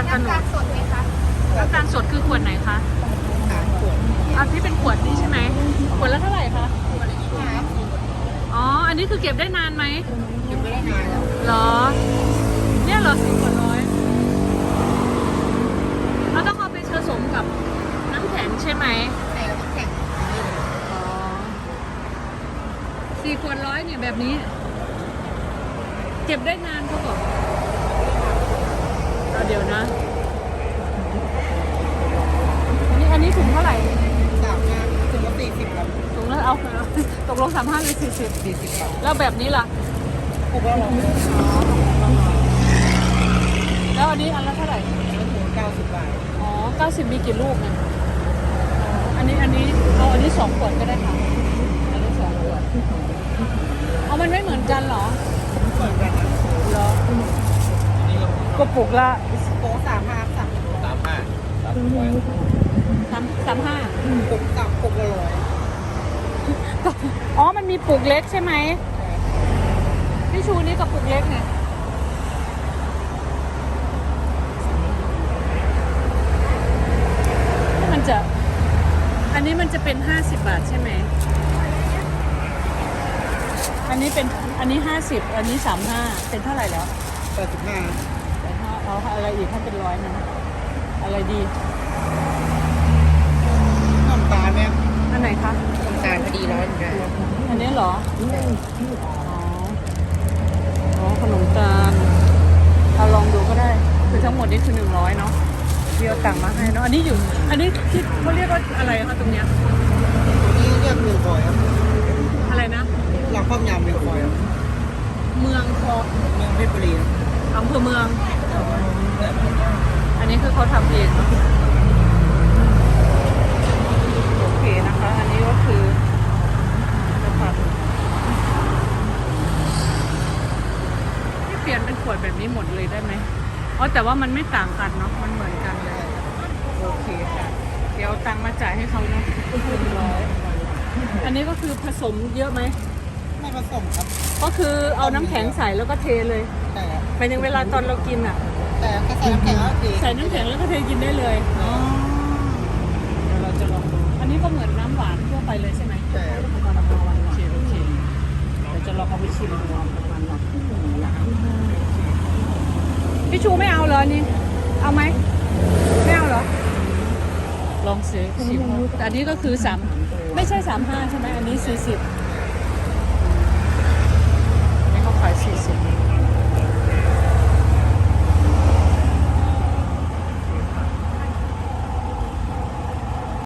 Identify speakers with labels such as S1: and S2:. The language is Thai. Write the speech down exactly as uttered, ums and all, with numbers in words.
S1: ลตะโนด
S2: น้ำตาลสดไหมคะ
S1: น้ำตาลสดคือขวดไหนคะอันที่เป็นขวดนี้ใช่ไหมขวดละเท่าไหร่คะอ๋ออันนี้คือเก็บได้นานไหม
S2: เก็บไม่ได้นานแล้ว
S1: เหรอเนี่ยเหรอสี่ขวดร้อยเราต้องเอาไปผสมกับน้ำแข็งใช่ไหม
S2: ใส่กับน้ำแข็ง
S1: อ๋อสี่ขวดร้อยเนี่ยแบบนี้ เก็บได้นานเขาบอกเอาเดี๋ยวนะ อันนี้อันนี้ถุงเท่าไหร่
S2: สามห้าถึงละสี่สิบครับ
S1: ถุงแล้วเอาตกลงสามห้าหรือสี่สิบ
S2: สี่สิบครับ
S1: แล้วแบบนี้ล่ะ
S2: ถูกแล้วเหรอ
S1: แล้วอันนี้อันละเท่าไหร่
S2: เก้าสิบบาท
S1: อ๋อเก้าสิบมีกี่ลูกเนี่ยอันนี้อันนี้เอาอันนี้สองขวดก็ได้ค่ะอันนี้สองขวดเอามันไม่เหมือนกันเหรอ
S2: เหมือนกันนะ
S1: เหรอก็ปลุกละ
S2: โค้สามห้าสาม
S3: สามห้าสามร้อย
S1: สามสามห้า
S2: ปุกกับปุกละร้อย
S1: อ๋อมันมีปลุกเล็กใช่ไหมพี่ชูนี่กับปลุกเล็กเนี่ยมันจะอันนี้มันจะเป็นห้าสิบบาทใช่ไหมอันนี้เป็นอันนี้ห้าสิบอันนี้สามห้าเป็นเท่าไหร่แล้ว
S2: แปดสิบห้า
S1: แต่ถ้าเอาอะไรอีกถ้าเป็นร้อยนะอะไรดี
S2: น้ำตาลเนี่ย
S1: อันไหนคะ
S2: น้ำตาลพอดีร้อยเหมือนกัน
S1: อันนี้เหรออ๋ออ๋อขนมตาลเอาลองดูก็ได้คือทั้งหมดนี้คือหนึ่งร้อยเนาะพี่เอาตังค์มาให้เนาะอันนี้อยู่อันนี้ที่เขาเรียกว่าอะไรคะตรงเนี้ย
S2: นี่เรียกเมืองคอยครับ
S1: อะไรนะ
S2: เราครอบยำเมืองคอยครับ
S1: เมืองคอ
S2: เมืองเพชรบุรีครับ
S1: อำเภอเมือง อันนี้คือเขาทำเองเนาะโอเคนะคะ อันนี้ก็คือนะครับที่เปลี่ยนเป็นขวดแบบนี้หมดเลยได้ไหมอ๋อแต่ว่ามันไม่ต่างกันเนาะมันเหมือนกันเลยโอเคค่ะเดี๋ยวเอาตังค์มาจ่ายให้เขาเนาะหนึ่งร้อยอันนี้ก็คือผสมเยอะไหม
S2: ไม่ผสมครับ
S1: ก็คือเอาน้ำแข็งใส่แล้วก็เทเลย
S2: แต่
S1: ไปถึงเวลาตอนเรากินอ่ะ
S2: แต่ถ้าใส่น้ำแข็งก็คือ
S1: ใส่น้ำแข็งแล้วก็เทกินได้เลยอ๋อเดี๋ยวเราจะลองดูอันนี้ก็เหมือนน้ำหวานทั่วไปเลยใช่ไหม
S2: แต่
S1: โอเคโอเคเดี๋ยวจะลองเอาไปชิมดูพี่ชูไม่เอาเหรอนี่เอาไหมไม่เอาเหรอลองซื้อชิมแต่อันนี้ก็คือสามไม่ใช่สามห้าใช่ไหมอันนี้สี่สิบ